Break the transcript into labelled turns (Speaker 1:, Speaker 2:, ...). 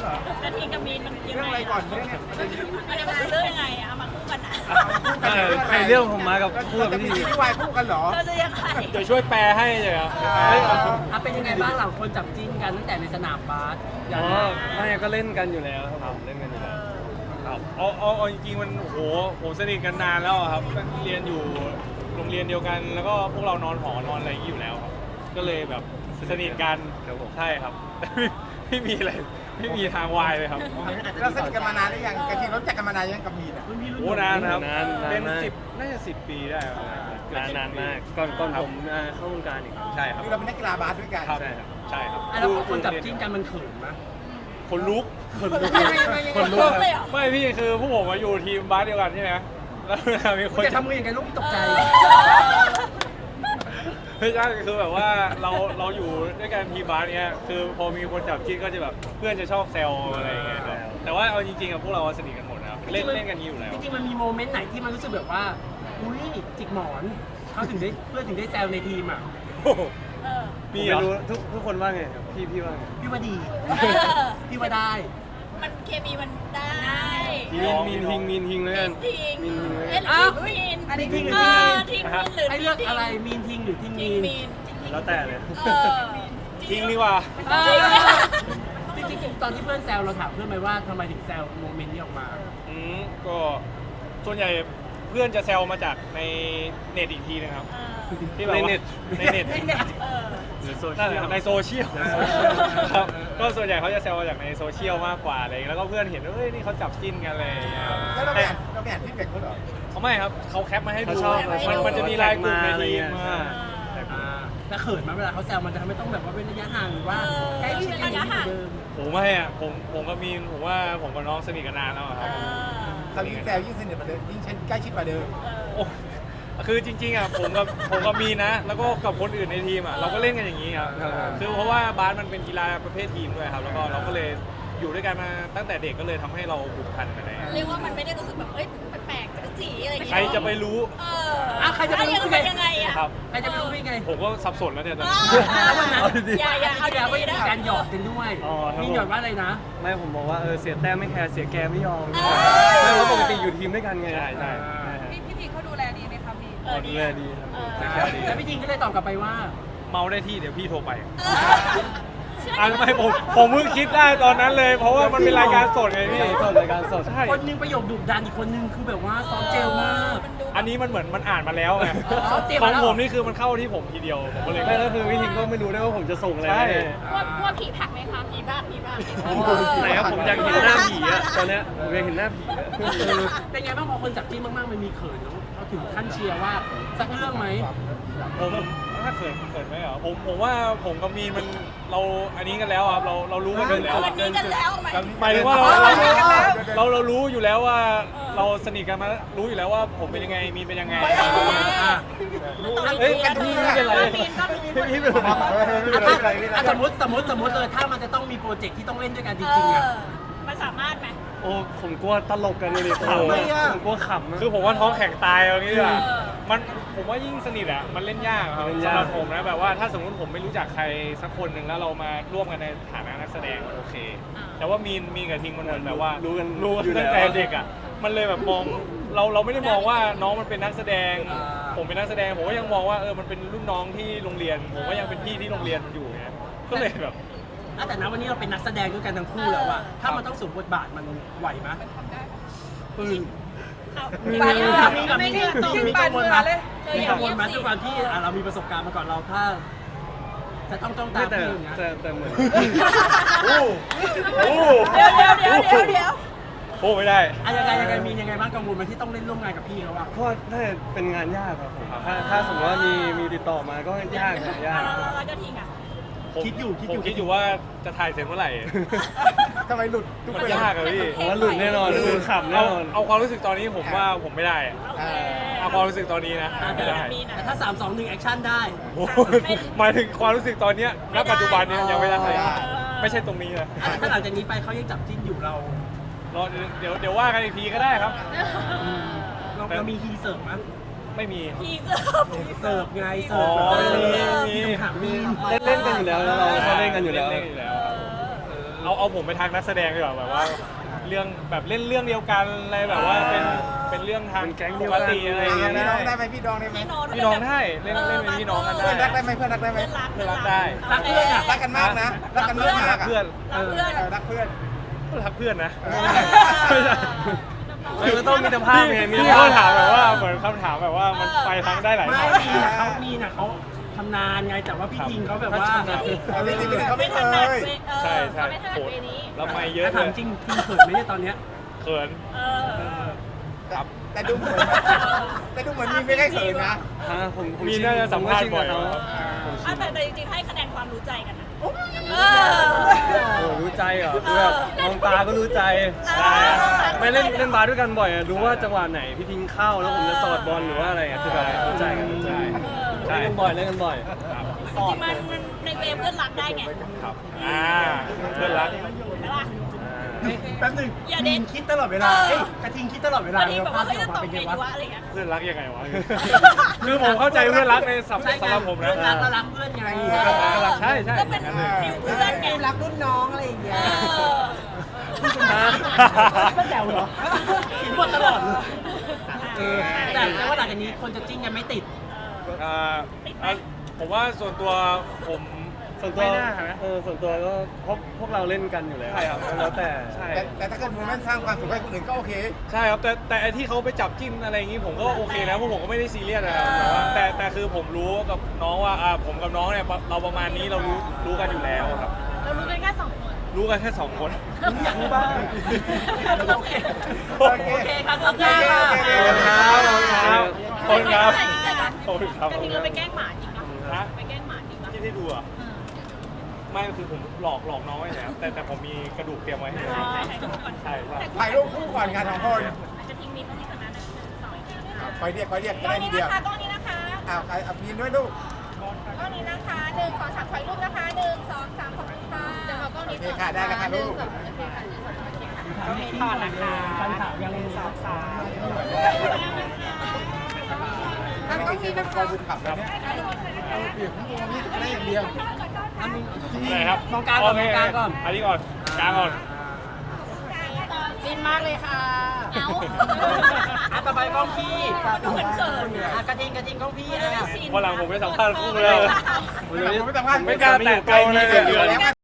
Speaker 1: เหรอ
Speaker 2: นาทีกับมีนมันยัง
Speaker 1: เรื่อง
Speaker 2: ไง
Speaker 1: อะไรก่อนเรื่อง
Speaker 2: มันจะเป็นเรื่องยังไงอะเอามาคู่กันอะ
Speaker 3: ไอเรื่องผมมากับคู่กับ
Speaker 1: จะมี
Speaker 3: พี่
Speaker 1: ซีรีส์วายคู่กันเหรอ
Speaker 2: เธอจะยังไง
Speaker 4: เดี๋ยวช่วยแปลให้เลยครับ
Speaker 5: เป็นยังไงบ้างหลังคนจับจิ้นกันตั้งแต่ในสนามบาส
Speaker 3: อ๋อไม่ก็เล่นกันอยู่แล้วครับเล่นกันอยู่แล้ว
Speaker 4: ครับเอาจริงๆมันโหผมสนิทกันนานแล้วอะครับเรียนอยู่โรงเรียนเดียวกัน แล้วก็พวกเรานอนหอนอนอะไรอย่างนี้อยู่แล้วครับก็เลยแบบสนิทกันใช่ครับ ไม่มีอะไรไม่มีทางวายเลยครับ
Speaker 1: เราสนิทกันมานานหรือยังกะทิรู้จักกันมานานยังกับมีนอ่ะ
Speaker 4: โอ้นานนะครับ
Speaker 3: นาน
Speaker 4: เป็น
Speaker 3: มาก
Speaker 4: น่าจะ10 ปีได้ครับ
Speaker 3: นานมากก่อนผมเข้าวงการอีก
Speaker 4: ใช่ครับ
Speaker 1: คือเราเป็นนักกีฬาบาสด้วยกัน
Speaker 4: ครับ
Speaker 3: ใช่ครับ
Speaker 4: ใช่ครับ
Speaker 5: แล้วคนจับจิ้นกันมันเขินไหม
Speaker 4: คนลุก
Speaker 3: คนลุ
Speaker 2: ลุ
Speaker 3: ก
Speaker 2: กเลยเหรอ
Speaker 4: ไม่พี่คือพวกผมมาอยู่ทีมบาสเดียวกันใช่ไหมแล้วเวลามีคน
Speaker 5: จะทำมืออย่างไรลูกที่ตกใจ
Speaker 4: ไม่ใช่คือแบบว่าเราอยู่ด้วยกันทีมบาสเนี้ยคือพอมีคนจับจิ้นก็จะแบบเพื่อนจะชอบแซวอะไรอย่างเงี้ยครับแต่ว่าเอาจริงๆอะพวกเราสนิทกันหมดนะครับเล่นกันอยู่แล้ว
Speaker 5: จริงๆมันมีโมเมนต์ไหนที่มันรู้สึกแบบว่า อุ้ยจิกหมอนเขาถึงได้เพื่อนถึงได้แซวในทีมอ่ะ
Speaker 2: เออ
Speaker 3: มี
Speaker 4: มีเหรอ
Speaker 3: รู้ทุกคนว่าไงครับพี่ว่าไง
Speaker 5: พี่ว่าดี
Speaker 2: เออ
Speaker 5: พี่ว่าได้
Speaker 2: มันเคมีมันได้
Speaker 3: มีนทิงแล้วกัน
Speaker 2: ทิ้ง
Speaker 3: มีนทิงแล้ว
Speaker 2: เอ๊ะ
Speaker 3: กัน
Speaker 2: หรือทิ้งมีน
Speaker 5: อันนี้ทิ้งหรือ
Speaker 2: เอ
Speaker 5: ทิ้ง
Speaker 2: อทิ้งมีนหรือ
Speaker 5: ให้เลือกอะไรมีนทิงหรือทิง
Speaker 2: ทิ้
Speaker 5: มี
Speaker 2: ง
Speaker 5: น
Speaker 2: มีน
Speaker 3: แล้วแต่เลย
Speaker 2: เออ
Speaker 4: ทิ้งดีกว่า
Speaker 2: เออ
Speaker 5: จริงๆตอนที่เพื่อนแซวเราถามเพื่อนไหมว่าทำไมถึงแซวโมเมนต์นี้ออกมา
Speaker 4: ก็ส่วนใหญ่เพื่อนจะแซวมาจากในเน็ตอีกทีนะครับที่แบบว่า
Speaker 3: ในเน็ต
Speaker 4: ในเน็ต
Speaker 2: เออ
Speaker 3: หรือโซเชี
Speaker 4: นั่น
Speaker 3: ย
Speaker 4: แหละ
Speaker 3: ล
Speaker 4: ครับในโซเชียลครับก็ส่วนใหญ่เขาจะแซวมาจากในโซเชียลมากกว่าอะไรอย่างเงี้ยแล้วก็เพื่อนเห็นว่าเฮ้ยนี่เขาจับจิ้นกันอะไรอย่างเงี้ยครับ
Speaker 1: แล้วเราไปอ่านฟีดแบ็กเขาเหรอ
Speaker 4: เขาไม่ครับเขาแคปมาให้ดู
Speaker 3: เขาชอบ
Speaker 4: มันจะมีไลน์กลุ่มในทีม
Speaker 3: ใช่
Speaker 5: แล้วเขินไหมเวลาเขาแซวมันจะทำให้ต้องแบบว่าเป็นระยะห่างหรือว่าใกล้ชิดกันอย่างนี้เหมือนเดิม
Speaker 4: ผมไม่อะผมกับมีนผมว่าผมกับน้องสนิทกันนานแล้วอะครับ
Speaker 1: เขายิ่งแซวยิ่งสนิทกว่าเดิมยิ่งใกล้ชิดกว่าเดิม
Speaker 4: โอ้คือจริงๆอ่ะผมกับมีนนะ แล้วก็กับคนอื่นในทีมอ่ะเราก็เล่นกันอย่างนี้ครับคือเพราะว่าบาสมันเป็นกีฬาประเภททีมด้วยครับแล้วก็เราก็เลยอยู่ด้วยกันมาตั้งแต่เด็กก็เลยทำให้เราผูกพันกันเลย
Speaker 2: เรียกว่ามันไม่ได้รู้สึกแบบเอ้ยแปลกๆจักรจีอะไรอย่างเงี้ย
Speaker 4: ใครจะไปรู้
Speaker 2: เออใครจะไปรู้เป็นยังไงอะ
Speaker 4: ครับ
Speaker 5: ใครจะไปรู้ได้ไง
Speaker 4: ผมก็สับสนแล้วเนี่ยตอน
Speaker 2: อ่า
Speaker 4: นี้
Speaker 5: แล้ววันนั้น
Speaker 2: อย่าเอา
Speaker 5: ที่แล้วก็
Speaker 2: ดี
Speaker 5: ยัง
Speaker 2: ๆ
Speaker 5: มี
Speaker 2: นะ
Speaker 5: การหยอกกันด้วย
Speaker 3: อ๋อครับ
Speaker 5: มีหยอดว่าอะไรนะ
Speaker 3: ไม่ผมบอกว่าเสียแต้มไม่แคร์เสียแกไม่ยอม
Speaker 2: เออ
Speaker 3: ไม่เพราะปกติอยู่ทีมด้วยกันไง
Speaker 4: ใช่ใช่
Speaker 6: พี่ทีเขาดูแลดีไหมคะพี่
Speaker 3: อ๋อดูแลดีครับ
Speaker 2: เออ
Speaker 3: เสียแกดี
Speaker 5: แล้วพี่จริงก็เลยตอบกลับไปว่า
Speaker 4: เมาได้ที่เดี๋ยวพี่โทรไป
Speaker 2: เชื่อ
Speaker 4: อ่ะไม่ผมเพิ่งคิดได้ตอนนั้นเลย เพราะว่ามันเป็นรายการสดไงพี่
Speaker 3: รายการสด
Speaker 4: ใช่
Speaker 5: คนหนึงประโยคดุดันอีกคนนึงคือแบบว่าซอฟต์เจลมาก
Speaker 4: อันนี้มันเหมือนมันอ่านมาแล้วไง
Speaker 5: อ๋อเตรียม
Speaker 4: ขอ
Speaker 5: มาง แล้ว
Speaker 4: ผมนี่คือมันเข้าที่ผมทีเดียวผมก็เลย
Speaker 3: ไม่แล้วคือวิธีก็ไม่รู้ได้ว่าผมจะส่งอะไร
Speaker 4: ใช่
Speaker 3: ให้
Speaker 2: กลัวผีผักไหมคะผีบ้าผีบ้า
Speaker 3: ไหนครับผมอยากเห็นหน้าผีอะตอนเนี้ยผมอยากเห็นหน้าผีอะ
Speaker 5: เป็นไงบ้างพอคนจับจิ้นมากๆมันมีเขินเนอะเขาถึงขั้นเชียร์ว่าสักเรื่องไหม
Speaker 4: ผมถ้าเขินไหมเหรอผมว่าผมกับมีนมันเราอันนี้กันแล้วครับเรารู้กันอยู่แล้ว
Speaker 2: วันนี้กันแล้วไหม
Speaker 4: หมายถึงว่าเรารู้อยู่แล้วว่าเราสนิทกันมารู้อยู่แล้วว่าผมเป็นยังไงมีนเป็นยังไง
Speaker 3: เฮ้ยพี่ไม่เป็นไรพี่เป็นไร
Speaker 5: สมมติเลยถ้ามันจะต้องมีโปรเจกต์ที่ต้องเล่นด้วยกันจริงๆอ่ะ
Speaker 2: มันสามารถไหม
Speaker 3: โอ้ผมกลัวตลกกันเลยดิขำ
Speaker 5: ทำไมอะ
Speaker 3: ผมกลัวขำอะ
Speaker 4: คือผมว่าท้องแข็งตายเอางี้ดีกว่า
Speaker 2: เออ
Speaker 4: ผมว่ายิ่งสนิทอะมันเล่นยากครับ
Speaker 3: เล่น
Speaker 4: สำ
Speaker 3: ยาก
Speaker 4: หรับผมนะแบบว่าถ้าสมมติผมไม่รู้จักใครสักคนหนึ่งแล้วเรามาร่วมกันในฐานะนักแสดงโอเค แต่ว่ามีนกับทิงมันเหมือนแบบว่า
Speaker 3: รู้
Speaker 4: รู้
Speaker 3: กัน
Speaker 4: ตั้งแต่เด็กอะมันเลยแบบมองเราไม่ได้มองว่าน้องมันเป็นนักแสดง ผมเป็นนักแสดงผมก็ยังมองว่ามันเป็นรุ่นน้องที่โรงเรียน ผมก็ยังเป็นพี่ที่โรงเรียนอยู่ไงก็เลยแบบ
Speaker 5: แต่นะวันนี้เราเป็นนักแสดงด้วยกันทั้งคู่แล้วอะถ้ามันต้องสวมบทบาทมันไหวไหม มีกังวลไหมมีกังวลไหมด้วยความที่เรามีประสบการณ์มาก่อนเราถ้าจะต้องตาม
Speaker 3: แต่
Speaker 5: พี่อย่างเงี้ย
Speaker 3: แต่เหมือน
Speaker 4: โอ้โห
Speaker 2: เดี๋ยว
Speaker 4: โอ้ไม่ได้
Speaker 5: ยังไงมียังไงบ้างกังวลไหมที่ต้องเล่นร่วมงานกับพี่เขาอะ
Speaker 3: ก็น่าจะเป็นงานยากครับผมถ้าสมมติว่ามีติดต่อมาก็ยากนะยาก
Speaker 2: เราจะทิ้งอ่ะ
Speaker 4: ผมคิดอยู่ว่าจะถ่ายเสร็จเมื่อไหร่
Speaker 1: ทำไมหลุดทุก
Speaker 4: มัน
Speaker 1: เวลาย
Speaker 4: ากอะพี่
Speaker 3: ผมว่าหลุดแน่นอนคือขำแน่นอน
Speaker 4: เอาความรู้สึกตอนนี้ผมว่าผมไม่ได้อะ
Speaker 2: โอเค
Speaker 4: เอาความรู้สึกตอนนี้นะไม่ได้
Speaker 5: แต่ถ้า 3 2 1 แอคชั่นได้
Speaker 4: โอ้โหหมายถึงความรู้สึกตอนเนี้ยณปัจจุบันเนี้ยยังไม่ได้ไม่ใช่ตรงนี้นะ
Speaker 5: ถ้าหลังจากนี้ไปเขายังจับจิ้นอยู่เรา
Speaker 4: รอเดี๋ยวว่ากันอีกทีก็ได้ครับ
Speaker 5: เรามีฮีเสิร์ฟไหม
Speaker 4: ไม่มี
Speaker 2: ทีเสิร์ฟ
Speaker 5: เสิร์ฟไงเสิร์ฟ
Speaker 4: มี
Speaker 5: ถามมี
Speaker 3: เล่นกันอยู่แล้วเราชอบเล่นกันอยู่แล้ว
Speaker 4: เล่นกันอยู่แล้วครับเอาผมไปทางนักแสดงดีกว่าแบบว่าเรื่องแบบเล่นเรื่องเดียวกันอะไรแบบว่าเป็นเรื่องทาง
Speaker 3: เป็นแก๊ง
Speaker 4: ป
Speaker 3: เดียว
Speaker 4: ก
Speaker 3: กัน
Speaker 4: ติอะไรอย่างเงี้ย
Speaker 1: พี่น้องได้
Speaker 4: ได้
Speaker 1: ไหมพี่น้องได้ไหม
Speaker 4: พี่น้องได้เล่นเป็นพี่น้องกันได้
Speaker 1: เพื่อนรักได้ไหมเพื่อนรักได้ไหม
Speaker 2: เพื่อนรัก
Speaker 4: เพื่อนรักได้
Speaker 5: รักเพื่อนอะ
Speaker 1: รักกันมากนะรักกันมาก
Speaker 4: เพื่อน
Speaker 1: รักเพื่อน
Speaker 4: รักเพื่อนนะ
Speaker 3: มันต้องมีมิตรภาพไงมี
Speaker 4: พี่เขาถามแบบว่าเหมือนคำถามแบบว่ามันไปทางได้หลาย
Speaker 5: ไม่
Speaker 4: ทาง
Speaker 5: มีนะเขาทำนานไงแต่ว่าพี่ทิงเขาแบบว่า
Speaker 1: จริงๆเขาไม่เค
Speaker 2: นัด
Speaker 1: ย
Speaker 2: เว
Speaker 4: ใช่ใช่
Speaker 2: เขาไม่ถนัด
Speaker 4: โห
Speaker 2: เวนี้
Speaker 4: แล้วไม่เยอะ
Speaker 5: ถ้า
Speaker 4: เล
Speaker 5: ถาม
Speaker 4: ย
Speaker 5: จริงทิงเขินไหมเนี่ยตอนเนี้ย
Speaker 4: เขิน
Speaker 2: เออ
Speaker 4: ครับ
Speaker 1: แต่ดูเหมือนมีไม่ได้เขินนะ
Speaker 3: ผม
Speaker 4: มีน่าจะสัมภาษณ์บ่อย
Speaker 3: ผม
Speaker 2: อ่ะแต่จริงๆให้คะแนนความรู้ใจกันนะเอ
Speaker 3: โอ้
Speaker 2: อ
Speaker 3: รู้ใจเหรอคือแบบมองตาก็รู้ใจ
Speaker 2: ใช่
Speaker 3: ไม่เล่นบาสด้วยกันบ่อยอะรู้ว่าจังหวะไหนพี่ทิ้งเข้าแล้วผมจะสอดบอลหรือว่าอะไรอะคือแบบรู้ใจกันรู้ใจเล่นกันบ่อยเล่นกันบ่อย
Speaker 2: จริงๆมันในเวเพื่อนรักได้ไง
Speaker 4: ครับเพื่อนรัก
Speaker 2: ใช่ปะ
Speaker 5: แป๊บหนึง
Speaker 2: อย่าเด็
Speaker 5: ทิ
Speaker 2: ด
Speaker 5: งคิดตลอดเวลาเอ้ยกระทิงคิดตลอดเวลา
Speaker 2: บางทีแบบว่า
Speaker 5: ภาพ
Speaker 2: เขา
Speaker 5: ที่อ
Speaker 2: จะ
Speaker 5: อกมา
Speaker 2: ตก
Speaker 5: เป็น
Speaker 2: ไง
Speaker 5: ไง
Speaker 2: ดี
Speaker 5: วะ
Speaker 2: วะอะไรอย่างเงี้ย
Speaker 4: เพื่อนรักยังไงวะ คือผมเข้าใจเพื่อนรักในสำหรับผมนะ
Speaker 5: เพื่อนรักแล้วรักเพื่อนไง
Speaker 4: ใช่ใช่
Speaker 2: ก็เป็นฟิลเพื่อนไง
Speaker 6: รักรุ่นน้องอะไรอย่างเงี้ย
Speaker 5: ก็แซวเหรอคิดหมดตลอดเลยแต่ว่าหลังจากนี้คนจะจิ้นกันไม่ติด
Speaker 4: ผมว่าส่วนตัวผม
Speaker 3: ส่วนตัว
Speaker 4: ไม่น่านะ
Speaker 3: ส่วนตัวก็พวกเราเล่นกันอยู่แล้ว
Speaker 4: ใช่ครับ
Speaker 3: แล้วแต่
Speaker 4: ใช่
Speaker 1: แต่ถ้าเกิดโมเมนต์สร้างความสุขให้คนอื่นก็โอเค
Speaker 4: ใช่ครับแต่ไอ้ที่เขาไปจับจิ้นอะไรอย่างงี้ผมก็โอเคนะเพราะผมก็ไม่ได้ซีเรียสนะครับแต่คือผมรู้กับน้องว่าผมกับน้องเนี่ยเราประมาณนี้เรารู้กันอยู่แล้วครับ
Speaker 2: เรารู้กันแค่2 คน
Speaker 4: รู้กันแค่2 คน
Speaker 5: อยากรู้บ้าง
Speaker 2: โอเค
Speaker 1: โอเค
Speaker 2: โอเคครับขอบคุณค่ะ
Speaker 4: ขอบคุณครับขอบคุณครับ
Speaker 2: กระทิงเราไปแกล้งหมาจริงปะ
Speaker 4: ฮะ
Speaker 2: ไปแกล้งหมาจริงปะ
Speaker 4: ที่ได้ดูอ่ะไม่คือผมหลอกน้องไว้แล้วแต่ผมมีกระดูกเตรียมไว้ให้
Speaker 2: ใช่ใช่ใช่ก่อน
Speaker 4: ใช่ใช่
Speaker 1: ถ่ายรูปคู่ก่อนงานของคน
Speaker 2: กระทิงมีตรงนี้ก่อนนะ1 2 อีกทีนะคะ
Speaker 1: คอยเรียก
Speaker 2: กล้
Speaker 1: ได้
Speaker 2: อง
Speaker 1: ที
Speaker 2: นี้
Speaker 1: เดียว
Speaker 2: นะคะกล้องนี้นะคะ
Speaker 1: ใครพีนด้วยลูก
Speaker 2: กล้องนี้นะคะ1 2 3ถอยรูปนะคะ1 2 3ขอบคุณค่ะจะมากล้อง
Speaker 1: โอ
Speaker 2: นี้
Speaker 1: เคค่ะได้แล้วค่ะลูก
Speaker 5: ถามที่ก่อนนะคะฟันขาวยังสาวสาว
Speaker 1: ถ้าไม่กินเป็นกองบุญขับแล้วเนี่ยเอาเปรียบทั้งวงนี้ได้อย่างเดียว
Speaker 4: ไหนครับ
Speaker 5: มองกลางก่อนมองกลางก่อน
Speaker 4: อันนี้ก่อนกลางก่อน
Speaker 2: ฟินมากเลยค่ะเอา
Speaker 5: ต่อไปกล้องพี่
Speaker 2: ดูเหมือนเขิน
Speaker 5: กระทิงกล้องพี่
Speaker 2: ไม่ได้ซีน
Speaker 4: วันหลังผมไปสัมภาษณ์คู่เลย
Speaker 1: ผมไม่สัมภาษณ์
Speaker 4: ไม่กล้าแตะตัวเลย
Speaker 1: เดี๋ยวแล้ว